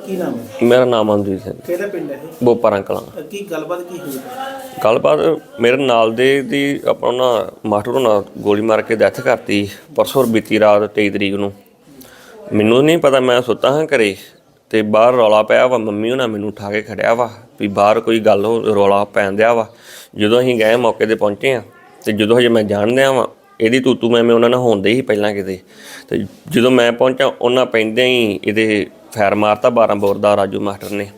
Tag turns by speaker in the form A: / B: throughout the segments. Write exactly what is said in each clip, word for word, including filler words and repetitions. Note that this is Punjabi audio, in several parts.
A: ਕੀ ਨਾਮ ਹੈ?
B: ਮੇਰਾ ਨਾਮ ਅਮਨਜੀਤ ਸਿੰਘ।
A: ਕਿਹੜਾ ਪਿੰਡ ਹੈ ਇਹ?
B: ਬੋਪਾਰਾਂ ਕਲਾਂ।
A: ਕੀ ਗੱਲਬਾਤ ਕੀ ਹੋਈ?
B: ਗੱਲਬਾਤ ਮੇਰੇ ਨਾਲ ਦੇ ਦੀ ਆਪਾਂ ਨਾ ਮਾਸਟਰ ਹੋਣਾ ਗੋਲੀ ਮਾਰ ਕੇ ਡੈਥ ਕਰਤੀ ਪਰਸੋਂ ਬੀਤੀ ਰਾਤ ਤੇਈ ਤਰੀਕ ਨੂੰ। ਮੈਨੂੰ ਨਹੀਂ ਪਤਾ, ਮੈਂ ਸੁੱਤਾ ਹਾਂ ਘਰੇ ਅਤੇ ਬਾਹਰ ਰੌਲਾ ਪਿਆ ਵਾ। ਮੰਮੀ ਹੋਣਾ ਮੈਨੂੰ ਉਠਾ ਕੇ ਖੜਿਆ ਵਾ ਵੀ ਬਾਹਰ ਕੋਈ ਗੱਲ ਹੋ ਰੌਲਾ ਪੈਣ ਦਿਆ ਵਾ। ਜਦੋਂ ਅਸੀਂ ਗਏ ਮੌਕੇ 'ਤੇ ਪਹੁੰਚੇ ਹਾਂ ਅਤੇ ਜਦੋਂ ਹਜੇ ਮੈਂ ਜਾਣਦਿਆਂ ਵਾਂ ਇਹਦੀ ਤੂਤੂ ਮੈਂ ਮੈਂ ਉਹਨਾਂ ਨਾਲ ਹੋਂਦੇ ਹੀ ਪਹਿਲਾਂ ਕਿਤੇ, ਅਤੇ ਜਦੋਂ ਮੈਂ ਪਹੁੰਚਾ ਉਹਨਾਂ ਪੈਂਦਿਆਂ ਹੀ ਇਹਦੇ ਫੈਰ ਮਾਰਤਾ ਬਾਰਾਂ ਬੋਰ ਦਾ ਰਾਜੂ ਮਾਸਟਰ ਨੇ।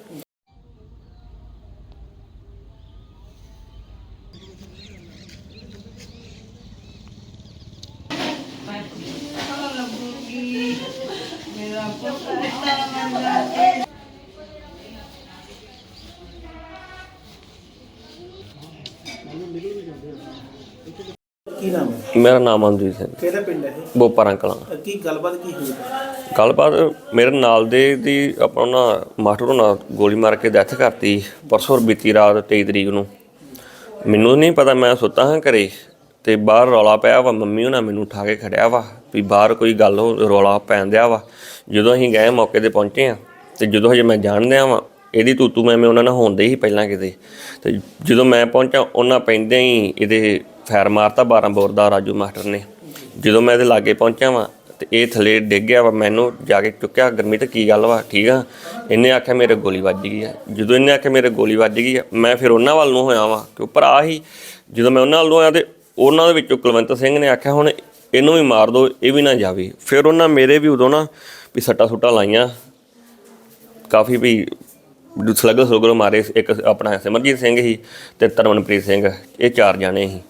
A: ਕੀ ਨਾਮ ਹੈ?
B: ਮੇਰਾ ਨਾਮ ਅਮਨਜੀਤ ਸਿੰਘ।
A: ਕਿਹੜਾ ਪਿੰਡ ਹੈ ਇਹ?
B: ਬੋਪਾਰਾਂ ਕਲਾਂ।
A: ਕੀ ਗੱਲਬਾਤ ਕੀ ਹੋਈ?
B: ਗੱਲਬਾਤ ਮੇਰੇ ਨਾਲ ਦੇ ਦੀ ਆਪਾਂ ਨਾ ਮਾਸਟਰ ਹੋਣਾ ਗੋਲੀ ਮਾਰ ਕੇ ਡੈਥ ਕਰਤੀ ਪਰਸੋਂ ਬੀਤੀ ਰਾਤ ਤੇਈ ਤਰੀਕ ਨੂੰ। ਮੈਨੂੰ ਨਹੀਂ ਪਤਾ, ਮੈਂ ਸੁੱਤਾ ਹਾਂ ਘਰੇ ਅਤੇ ਬਾਹਰ ਰੌਲਾ ਪਿਆ ਵਾ। ਮੰਮੀ ਹੋਣਾ ਮੈਨੂੰ ਉਠਾ ਕੇ ਖੜਿਆ ਵਾ ਵੀ ਬਾਹਰ ਕੋਈ ਗੱਲ ਹੋ ਰੌਲਾ ਪੈਣ ਦਿਆ ਵਾ। ਜਦੋਂ ਅਸੀਂ ਗਏ ਮੌਕੇ 'ਤੇ ਪਹੁੰਚੇ ਹਾਂ ਅਤੇ ਜਦੋਂ ਹਜੇ ਮੈਂ ਜਾਣਦਿਆਂ ਵਾਂ ਇਹਦੀ ਤੂਤੂ ਮੈਂ ਮੈਂ ਉਹਨਾਂ ਨਾਲ ਹੋਂਦੇ ਹੀ ਪਹਿਲਾਂ ਕਿਤੇ, ਅਤੇ ਜਦੋਂ ਮੈਂ ਪਹੁੰਚਾ ਉਹਨਾਂ ਪੈਂਦਿਆਂ ਹੀ ਇਹਦੇ ਫੈਰ ਮਾਰਤਾ ਬਾਰਾਂ ਬੋਰ ਦਾ ਰਾਜੂ ਮਾਸਟਰ ਨੇ। ਜਦੋਂ ਮੈਂ ਇਹਦੇ ਲਾਗੇ ਪਹੁੰਚਿਆ ਵਾਂ ਅਤੇ ਇਹ ਥੱਲੇ ਡਿੱਗ ਗਿਆ ਵਾ। ਮੈਨੂੰ ਜਾ ਕੇ ਚੁੱਕਿਆ, ਗੁਰਮੀਤ ਕੀ ਗੱਲ ਵਾ ਠੀਕ ਆ? ਇਹਨੇ ਆਖਿਆ ਮੇਰੇ ਗੋਲੀ ਵੱਜ ਗਈ ਆ। ਜਦੋਂ ਇਹਨੇ ਆਖਿਆ ਮੇਰੇ ਗੋਲੀ ਵੱਜ ਗਈ ਆ ਮੈਂ ਫਿਰ ਉਹਨਾਂ ਵੱਲ ਨੂੰ ਹੋਇਆ ਵਾਂ ਕਿ ਭਰਾ ਹੀ। ਜਦੋਂ ਮੈਂ ਉਹਨਾਂ ਵੱਲ ਨੂੰ ਹੋਇਆ ਅਤੇ ਉਹਨਾਂ ਦੇ ਵਿੱਚੋਂ ਕੁਲਵੰਤ ਸਿੰਘ ਨੇ ਆਖਿਆ ਹੁਣ ਇਹਨੂੰ ਵੀ ਮਾਰ ਦਿਓ, ਇਹ ਵੀ ਨਾ ਜਾਵੇ। ਫਿਰ ਉਹਨਾਂ ਮੇਰੇ ਵੀ ਉਦੋਂ ਨਾ ਵੀ ਸੱਟਾਂ ਸੁੱਟਾਂ ਲਾਈਆਂ ਕਾਫੀ, ਵੀ ਸਲਗਰ ਸਲਗਰ ਮਾਰੇ। ਇੱਕ ਆਪਣਾ ਸਿਮਰਜੀਤ ਸਿੰਘ ਸੀ ਅਤੇ ਤਰਮਨਪ੍ਰੀਤ ਸਿੰਘ, ਇਹ ਚਾਰ ਜਾਣੇ ਸੀ।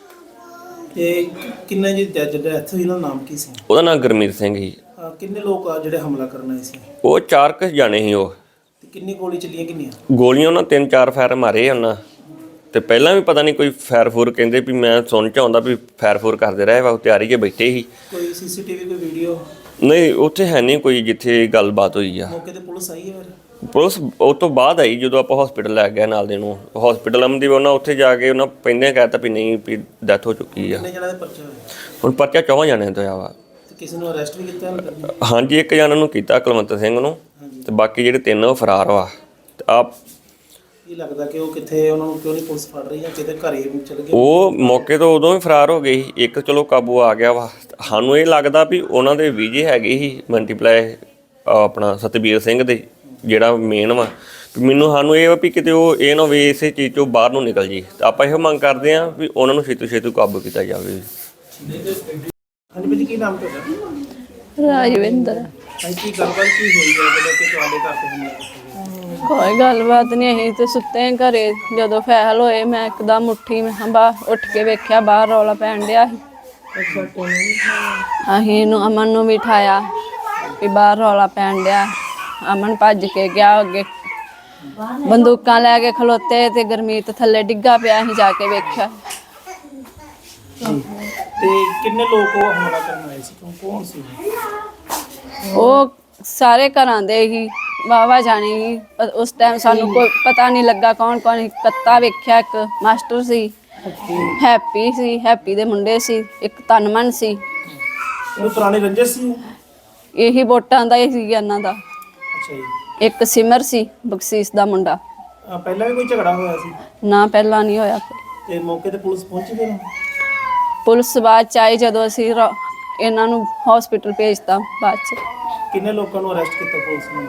A: ਤੇ ਕਿੰਨੇ ਜੀ ਜਿਹੜਾ ਇੱਥੇ ਇਹਨਾਂ ਦਾ ਨਾਮ ਕੀ ਸੀ?
B: ਉਹਦਾ ਨਾਮ ਗੁਰਮੀਤ ਸਿੰਘ ਸੀ।
A: ਕਿੰਨੇ ਲੋਕ ਆ ਜਿਹੜੇ ਹਮਲਾ ਕਰਨ ਆਏ ਸੀ?
B: ਉਹ ਚਾਰ ਕੁ ਜਾਣੇ ਸੀ ਉਹ।
A: ਤੇ ਕਿੰਨੀ ਗੋਲੀ ਚੱਲੀਆਂ? ਕਿੰਨੀਆਂ
B: ਗੋਲੀਆਂ ਉਹਨਾਂ ਤਿੰਨ ਚਾਰ ਫੈਰ ਮਾਰੇ ਉਹਨਾਂ, ਅਤੇ ਪਹਿਲਾਂ ਵੀ ਪਤਾ ਨਹੀਂ ਕੋਈ ਫੈਰ ਫੂਰ ਕਹਿੰਦੇ ਵੀ ਮੈਂ ਸੁਣ 'ਚ ਆਉਂਦਾ ਵੀ ਫੈਰ ਫੂਰ ਕਰਦੇ ਰਹੇ ਵਾ। ਤਿਆਰੀ 'ਚ ਬੈਠੇ ਸੀ।
A: ਕੋਈ ਸੀ ਸੀ ਟੀ ਵੀ ਕੋਈ ਵੀਡੀਓ?
B: ਨਹੀਂ ਉੱਥੇ ਹੈ ਨਹੀਂ ਕੋਈ ਜਿੱਥੇ ਗੱਲਬਾਤ ਹੋਈ ਆ।
A: ਮੌਕੇ 'ਤੇ ਪੁਲਿਸ ਆਈ ਹੈ ਫਿਰ?
B: ਪੁਲਿਸ ਉਹ ਤੋਂ ਬਾਅਦ ਆਈ ਜਦੋਂ ਆਪਾਂ ਹੌਸਪੀਟਲ ਲੈ ਗਏ ਨਾਲ ਦੇ ਨੂੰ। ਹੌਸਪੀਟਲ ਅਮਦੀ ਉਹਨਾਂ ਉੱਥੇ ਜਾ ਕੇ ਉਹਨਾਂ ਪਹਿਲਾਂ ਕਹਿ ਤਾ ਵੀ ਨਹੀਂ ਵੀ ਡੈਥ ਹੋ ਚੁੱਕੀ ਆ।
A: ਕਿੰਨੇ ਜਣਾਂ ਦੇ ਪਰਚਾ ਹੋਇਆ?
B: ਹੁਣ ਪਰਚਾ ਚੌਹਾਂ ਜਾਣਿਆਂ ਤੋਂ ਆ ਵਾ।
A: ਤੇ ਕਿਸੇ ਨੂੰ ਅਰੈਸਟ ਵੀ ਕੀਤਾ?
B: ਹਾਂਜੀ, ਇੱਕ ਜਣਾ ਨੂੰ ਕੀਤਾ ਕੁਲਵੰਤ ਸਿੰਘ ਨੂੰ, ਅਤੇ ਬਾਕੀ ਜਿਹੜੇ ਤਿੰਨ ਉਹ ਫਰਾਰ ਵਾ। ਅਤੇ ਆਪ
A: ਕੀ ਲੱਗਦਾ ਕਿ ਉਹ ਕਿੱਥੇ, ਉਹਨਾਂ ਨੂੰ ਕਿਉਂ ਨਹੀਂ ਪੁਲਿਸ ਫੜ ਰਹੀ ਜਾਂ ਕਿਤੇ ਘਰੇ ਚਲੇ ਗਏ?
B: ਉਹ ਮੌਕੇ ਤੋਂ ਉਦੋਂ ਹੀ ਫਰਾਰ ਹੋ ਗਏ ਸੀ। ਇੱਕ ਚਲੋ ਕਾਬੂ ਆ ਗਿਆ ਵਾ। ਸਾਨੂੰ ਇਹ ਲੱਗਦਾ ਵੀ ਉਹਨਾਂ ਦੇ ਵੀਜੇ ਹੈਗੇ ਸੀ ਮਲਟੀਪਲਾਈ ਆਪਣਾ ਸਤਬੀਰ ਸਿੰਘ ਦੇ, ਜਿਹੜਾ ਮੇਨ ਵਾ। ਮੈਨੂੰ ਸਾਨੂੰ ਇਹ ਵਾ ਵੀ ਕਿਤੇ ਉਹ ਇਹ ਨਾ ਹੋਵੇ ਇਸੇ ਚੀਜ਼ 'ਚੋਂ ਬਾਹਰ ਨੂੰ ਨਿਕਲ ਜੀ। ਤਾਂ ਆਪਾਂ ਇਹੋ ਮੰਗ ਕਰਦੇ ਹਾਂ ਵੀ ਉਹਨਾਂ ਨੂੰ ਛੇਤੀ ਛੇਤੀ ਕਾਬੂ ਕੀਤਾ ਜਾਵੇ।
A: ਹਾਂਜੀ ਭਾਜੀ, ਕੀ ਨਾਮ ਤੁਹਾਡਾ?
C: ਰਾਜਵਿੰਦਰ।
A: ਕੀ ਗੱਲਬਾਤ ਕੀ ਹੋਈ ਹੈ ਜਦੋਂ ਕਿ ਤੁਹਾਡੇ ਘਰ ਤੇ ਹਮਲਾ ਕੀਤਾ?
C: ਕੋਈ ਗੱਲਬਾਤ ਨਹੀਂ, ਅਸੀਂ ਤੇ ਸੁੱਤੇ ਹਾਂ ਘਰੇ। ਜਦੋਂ ਫੈਲ ਹੋਏ ਮੈਂ ਇੱਕਦਮ ਉੱਠੀ, ਮੈਂ ਬਾਹਰ ਉੱਠ ਕੇ ਵੇਖਿਆ ਬਾਹਰ ਰੌਲਾ ਪੈਣ ਡਿਆ ਸੀ। ਅਸੀਂ ਨੂੰ ਅਮਨ ਨੂੰ ਵੀ ਉਠਾਇਆ ਵੀ ਬਾਹਰ ਰੌਲਾ ਪੈਣ ਡਿਆ। ਅਮਨ ਭੱਜ ਕੇ ਗਿਆ ਅੱਗੇ, ਬੰਦੂਕਾਂ ਲੈ ਕੇ ਖਲੋਤੇ ਤੇ ਗੁਰਮੀਤ ਥੱਲੇ ਡਿੱਗਾ ਪਿਆ। ਅਸੀਂ ਜਾ ਕੇ ਵੇਖਿਆ।
A: ਤੇ ਕਿੰਨੇ ਲੋਕ ਉਹ ਹਮਲਾ ਕਰਨ ਆਏ ਸੀ? ਕੌਣ ਸੀ
C: ਉਹ? ਸਾਰੇ ਘਰਾਂ ਦੇ ਹੀ ਵਾਹਵਾ ਜਾਣੀ ਸੀ। ਉਸ ਟਾਈਮ ਸਾਨੂੰ ਕੋਈ ਪਤਾ ਨਹੀਂ ਲੱਗਾ ਕੌਣ ਕੌਣ। ਕੱਤਾ ਵੇਖਿਆ, ਇੱਕ ਮਾਸਟਰ ਸੀ, ਹੈਪੀ ਸੀ, ਹੈਪੀ ਦੇ ਮੁੰਡੇ ਸੀ, ਇੱਕ ਤਨਮਨ ਸੀ।
A: ਉਹ ਪੁਰਾਣੀ ਰੰਜਿਸ਼ ਸੀ?
C: ਇਹੀ ਵੋਟਾਂ ਦਾ ਹੀ ਸੀ ਇਹਨਾਂ ਦਾ।
A: ਅੱਛਾ ਜੀ।
C: ਇੱਕ ਸਿਮਰ ਸੀ ਬਖਸ਼ੀਸ਼ ਦਾ ਮੁੰਡਾ।
A: ਪਹਿਲਾਂ ਵੀ ਕੋਈ ਝਗੜਾ ਹੋਇਆ ਸੀ?
C: ਨਾ, ਪਹਿਲਾਂ ਨਹੀਂ ਹੋਇਆ।
A: ਤੇ ਮੌਕੇ ਤੇ ਪੁਲਿਸ ਪਹੁੰਚੀ ਫਿਰ?
C: ਪੁਲਿਸ ਬਾਅਦ ਚ ਆਈ ਜਦੋਂ ਅਸੀਂ ਇਹਨਾਂ ਨੂੰ ਹਸਪੀਟਲ ਭੇਜਤਾ ਬਾਅਦ ਚ।
A: ਕਿੰਨੇ ਲੋਕਾਂ ਨੂੰ ਅਰੈਸਟ ਕੀਤਾ ਪੁਲਿਸ ਨੇ?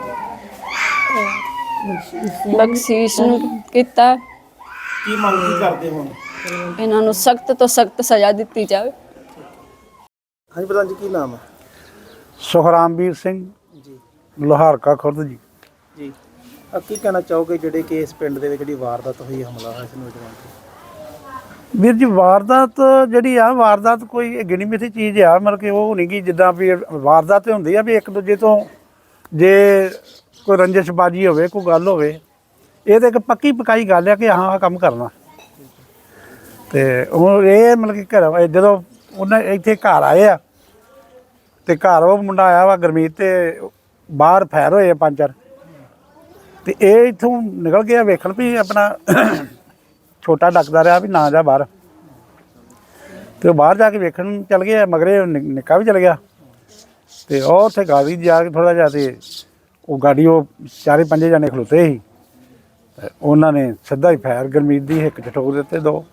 C: ਬਖਸ਼ੀਸ਼ ਨੂੰ ਕੀਤਾ।
A: ਕੀ ਮੰਗ ਕੀ ਕਰਦੇ ਹੁਣ?
C: ਇਹਨਾਂ ਨੂੰ ਸਖਤ ਤੋਂ ਸਖਤ ਸਜ਼ਾ ਦਿੱਤੀ ਜਾਵੇ।
A: ਹਾਂਜੀ ਪ੍ਰਧਾਨ ਜੀ, ਕੀ ਨਾਮ ਹੈ?
D: ਸੁਖਰਾਮਵੀਰ ਸਿੰਘ
A: ਜੀ।
D: ਲੋਹਾਰਕਾ ਖੁਰਦ ਜੀ।
A: ਜੀ, ਆ ਕੀ ਕਹਿਣਾ ਚਾਹੋਗੇ ਜਿਹੜੇ ਕਿ ਇਸ ਪਿੰਡ ਦੇ ਵਿੱਚ ਜਿਹੜੀ ਵਾਰਦਾਤ ਹੋਈ, ਹਮਲਾ ਹੋਇਆ ਇਸ ਨੌਜਵਾਨ ਤੇ?
D: ਵੀਰ ਜੀ, ਵਾਰਦਾਤ ਜਿਹੜੀ ਆ, ਵਾਰਦਾਤ ਕੋਈ ਗਿਣੀ ਮਿਥੀ ਚੀਜ਼ ਆ। ਮਤਲਬ ਕਿ ਉਹ ਨਹੀਂ ਗੀ ਜਿੱਦਾਂ ਵੀ ਵਾਰਦਾਤ ਹੁੰਦੀ ਆ ਵੀ ਇੱਕ ਦੂਜੇ ਤੋਂ ਜੇ ਕੋਈ ਰੰਜਿਸ਼ਬਾਜੀ ਹੋਵੇ, ਕੋਈ ਗੱਲ ਹੋਵੇ, ਇਹ ਤਾਂ ਇੱਕ ਪੱਕੀ ਪਕਾਈ ਗੱਲ ਆ ਕਿ ਹਾਂ ਆਹ ਕੰਮ ਕਰਨਾ। ਅਤੇ ਹੁਣ ਇਹ ਮਤਲਬ ਕਿ ਘਰ ਜਦੋਂ ਉਹਨਾਂ ਇੱਥੇ ਘਰ ਆਏ ਆ ਅਤੇ ਘਰ ਉਹ ਮੁੰਡਾ ਆਇਆ ਵਾ ਗੁਰਮੀਤ, ਅਤੇ ਬਾਹਰ ਫੈਰ ਹੋਏ ਆ ਪੰਜ ਚਾਰ, ਅਤੇ ਇਹ ਇੱਥੋਂ ਨਿਕਲ ਗਿਆ ਵੇਖਣ ਵੀ ਆਪਣਾ ਛੋਟਾ ਡੱਕਦਾ ਰਿਹਾ ਵੀ ਨਾ ਜਾ ਬਾਹਰ, ਅਤੇ ਉਹ ਬਾਹਰ ਜਾ ਕੇ ਵੇਖਣ ਚੱਲ ਗਏ। ਮਗਰੇ ਨਿੱਕਾ ਵੀ ਚਲ ਗਿਆ, ਅਤੇ ਉਹ ਉੱਥੇ ਗਾੜੀ ਜਾ ਕੇ ਥੋੜ੍ਹਾ ਜਿਹਾ ਅਤੇ ਉਹ ਗਾੜੀ ਉਹ ਚਾਰੇ ਪੰਜੇ ਜਣੇ ਖਲੋਤੇ ਸੀ ਤੇ ਉਹਨਾਂ ਨੇ ਸਿੱਧਾ ਹੀ ਫਾਇਰ ਗੁਰਮੀਤ ਦੀ ਹਿੱਕ 'ਚ ਠੋਕ ਦਿੱਤੇ ਦੋ।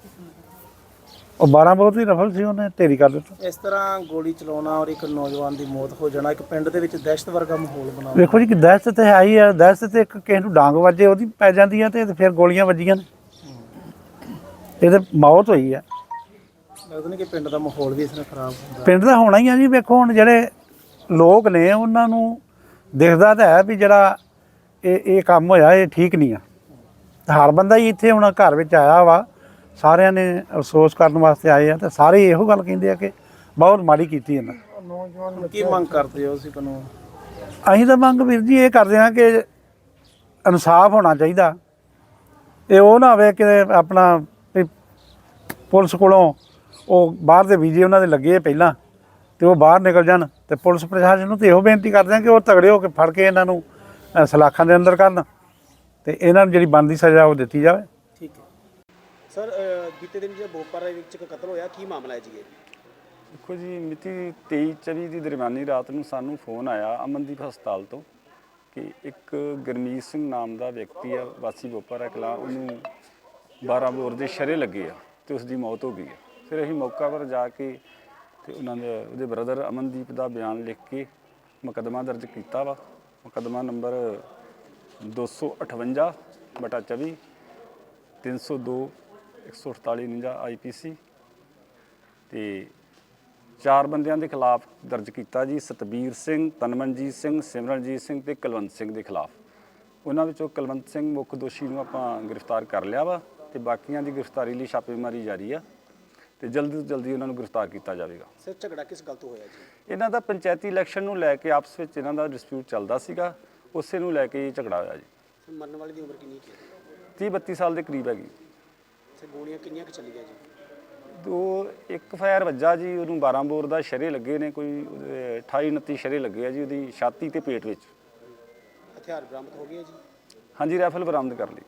D: ਉਹ ਬਾਰਾਂ ਬੋਰ ਦੀ ਰਫਲ ਸੀ, ਉਹਨੇ ਢੇਰੀ ਕਰ ਦਿੱਤਾ।
A: ਇਸ ਤਰ੍ਹਾਂ ਗੋਲੀ ਚਲਾਉਣਾ ਔਰ ਇੱਕ ਨੌਜਵਾਨ ਦੀ ਮੌਤ ਹੋ ਜਾਣਾ ਇੱਕ ਪਿੰਡ ਦੇ ਵਿੱਚ ਦਹਿਸ਼ਤ ਵਰਗਾ ਮਾਹੌਲ ਬਣਾਉਣਾ।
D: ਵੇਖੋ ਜੀ ਕਿ ਦਹਿਸ਼ਤ ਤੇ ਹੈ ਹੀ ਆ। ਦਹਿਸ਼ਤ ਤੇ ਇੱਕ ਕਿਸੇ ਨੂੰ ਡਾਂਗ ਵੱਜੇ ਉਹਦੀ ਪੈ ਜਾਂਦੀ ਆ ਤੇ ਫਿਰ ਗੋਲੀਆਂ ਵੱਜੀਆਂ ਨੇ, ਇਹ ਤੇ ਮੌਤ ਹੋਈ ਆ।
A: ਲੱਗਦਾ ਨਹੀਂ ਕਿ ਪਿੰਡ ਦਾ ਮਾਹੌਲ ਵੀ ਇਸ ਨਾਲ ਖਰਾਬ ਹੁੰਦਾ।
D: ਪਿੰਡ ਦਾ ਹੋਣਾ ਹੀ ਆ ਜੀ। ਵੇਖੋ ਹੁਣ ਜਿਹੜੇ ਲੋਕ ਨੇ ਉਹਨਾਂ ਨੂੰ ਦਿਖਦਾ ਤਾਂ ਹੈ ਵੀ ਜਿਹੜਾ ਇਹ ਇਹ ਕੰਮ ਹੋਇਆ ਇਹ ਠੀਕ ਨਹੀਂ ਆ। ਹਰ ਬੰਦਾ ਹੀ ਇੱਥੇ ਹੁਣ ਘਰ ਵਿੱਚ ਆਇਆ ਵਾ, ਸਾਰਿਆਂ ਨੇ ਅਫਸੋਸ ਕਰਨ ਵਾਸਤੇ ਆਏ ਆ ਤੇ ਸਾਰੇ ਇਹੋ ਗੱਲ ਕਹਿੰਦੇ ਆ ਕਿ ਬਹੁਤ ਮਾੜੀ ਕੀਤੀ ਇਹਨਾਂ।
A: ਕੀ ਮੰਗ ਕਰਦੇ ਹੋ ਤੁਸੀਂ ਕਾਨੂੰਨ?
D: ਅਸੀਂ ਤਾਂ ਮੰਗ ਵੀਰ ਜੀ ਇਹ ਕਰਦੇ ਹਾਂ ਕਿ ਇਨਸਾਫ ਹੋਣਾ ਚਾਹੀਦਾ। ਇਹ ਉਹ ਨਾ ਹੋਵੇ ਕਿ ਆਪਣਾ ਵੀ ਪੁਲਿਸ ਕੋਲੋਂ ਉਹ ਬਾਹਰ ਦੇ ਵੀਜ਼ੇ ਉਹਨਾਂ ਦੇ ਲੱਗੇ ਆ ਪਹਿਲਾਂ ਤੇ ਉਹ ਬਾਹਰ ਨਿਕਲ ਜਾਣ, ਤੇ ਪੁਲਿਸ ਪ੍ਰਸ਼ਾਸਨ ਨੂੰ ਤੇ ਇਹੋ ਬੇਨਤੀ ਕਰਦੇ ਹਾਂ ਕਿ ਉਹ ਤਗੜੇ ਹੋ ਕੇ ਫੜ ਕੇ ਇਹਨਾਂ ਨੂੰ ਅ, ਸਲਾਖਾਂ ਦੇ ਅੰਦਰ ਕਰਨ ਤੇ ਇਹਨਾਂ ਨੂੰ ਜਿਹੜੀ ਬਣਦੀ ਸਜ਼ਾ ਉਹ ਦਿੱਤੀ ਜਾਵੇ।
A: ਠੀਕ ਹੈ ਸਰ, ਬੀਤੇ ਦਿਨ ਜਿਹੜਾ ਬੋਪਰ ਵਿੱਚ ਇੱਕ ਕਤਲ ਹੋਇਆ, ਕੀ ਮਾਮਲਾ ਹੈ ਜੀ ਇਹ?
E: ਦੇਖੋ ਜੀ, ਮਿਤੀ ਤੇਈ ਚੌਵੀ ਦੀ ਦਰਮਿਆਨੀ ਰਾਤ ਨੂੰ ਸਾਨੂੰ ਫੋਨ ਆਇਆ ਅਮਨਦੀਪ ਹਸਪਤਾਲ ਤੋਂ ਕਿ ਇੱਕ ਗੁਰਮੀਤ ਸਿੰਘ ਨਾਮ ਦਾ ਵਿਅਕਤੀ ਆ, ਵਾਸੀ ਬੋਪਰ ਕਲਾਂ, ਉਹਨੂੰ ਬਾਰਾਂ ਬੋਰ ਦੇ ਸ਼ਰੇ ਲੱਗੇ ਆ ਤੇ ਉਸ ਦੀ ਮੌਤ ਹੋ ਗਈ ਆ। ਫਿਰ ਅਸੀਂ ਮੌਕਾ ਪਰ ਜਾ ਕੇ ਤੇ ਉਹਨਾਂ ਦੇ ਉਹਦੇ ਬ੍ਰਦਰ ਅਮਨਦੀਪ ਦਾ ਬਿਆਨ ਲਿਖ ਕੇ ਮੁਕੱਦਮਾ ਦਰਜ ਕੀਤਾ ਵਾ। ਮੁਕੱਦਮਾ ਨੰਬਰ ਦੋ ਸੌ ਅਠਵੰਜਾ ਬਟਾ ਚੌਵੀ ਤਿੰਨ ਸੌ ਦੋ ਇੱਕ ਸੌ ਅਠਤਾਲੀ ਉਣੰਜਾ ਆਈ ਪੀ ਸੀ ਤੇ ਚਾਰ ਬੰਦਿਆਂ ਦੇ ਖਿਲਾਫ ਦਰਜ ਕੀਤਾ ਜੀ। ਸਤਬੀਰ ਸਿੰਘ, ਤਨਮਨਜੀਤ ਸਿੰਘ, ਸਿਮਰਨਜੀਤ ਸਿੰਘ ਤੇ ਕੁਲਵੰਤ ਸਿੰਘ ਦੇ ਖਿਲਾਫ। ਉਹਨਾਂ ਵਿੱਚੋਂ ਕੁਲਵੰਤ ਸਿੰਘ ਮੁੱਖ ਦੋਸ਼ੀ ਨੂੰ ਆਪਾਂ ਗ੍ਰਿਫਤਾਰ ਕਰ ਲਿਆ ਵਾ ਤੇ ਬਾਕੀਆਂ ਦੀ ਗ੍ਰਿਫਤਾਰੀ ਲਈ ਛਾਪੇਮਾਰੀ ਜਾਰੀ ਆ ਤੇ ਜਲਦੀ ਤੋਂ ਜਲਦੀ ਉਹਨਾਂ ਨੂੰ ਗ੍ਰਿਫਤਾਰ ਕੀਤਾ ਜਾਵੇਗਾ।
A: ਸਰ, ਝਗੜਾ ਕਿਸ ਗੱਲ ਤੋਂ ਹੋਇਆ ਜੀ?
E: ਇਹਨਾਂ ਦਾ ਪੰਚਾਇਤੀ ਇਲੈਕਸ਼ਨ ਨੂੰ ਲੈ ਕੇ ਆਪਸ ਵਿੱਚ ਇਹਨਾਂ ਦਾ ਡਿਸਪਿਊਟ ਚੱਲਦਾ ਸੀਗਾ, ਉਸੇ ਨੂੰ ਲੈ ਕੇ ਇਹ ਝਗੜਾ ਹੋਇਆ ਜੀ।
A: ਸਰ, ਮਰਨ ਵਾਲੇ ਦੀ ਉਮਰ ਕਿੰਨੀ ਹੈ?
E: ਤੀਹ ਬੱਤੀ ਸਾਲ ਦੇ ਕਰੀਬ ਹੈਗੀ।
A: ਸਰ, ਗੋਲੀਆਂ ਕਿੰਨੀਆਂ ਕੁ ਚੱਲੀਆਂ ਜੀ?
E: ਦੋ ਇੱਕ ਫਾਇਰ ਵੱਜਾ ਜੀ, ਉਹਨੂੰ ਬਾਰਾਂ ਬੋਰ ਦਾ ਸ਼ਰੇ ਲੱਗੇ ਨੇ, ਕੋਈ ਉਹਦੇ ਅਠਾਈ ਉਨੱਤੀ ਸ਼ਰੇ ਲੱਗੇ ਆ ਜੀ ਉਹਦੀ ਛਾਤੀ ਤੇ ਪੇਟ ਵਿੱਚ।
A: ਹਥਿਆਰ ਬਰਾਮਦ ਹੋ ਗਏ ਜੀ?
E: ਹਾਂਜੀ, ਰਾਈਫਲ ਬਰਾਮਦ ਕਰ ਲਈ।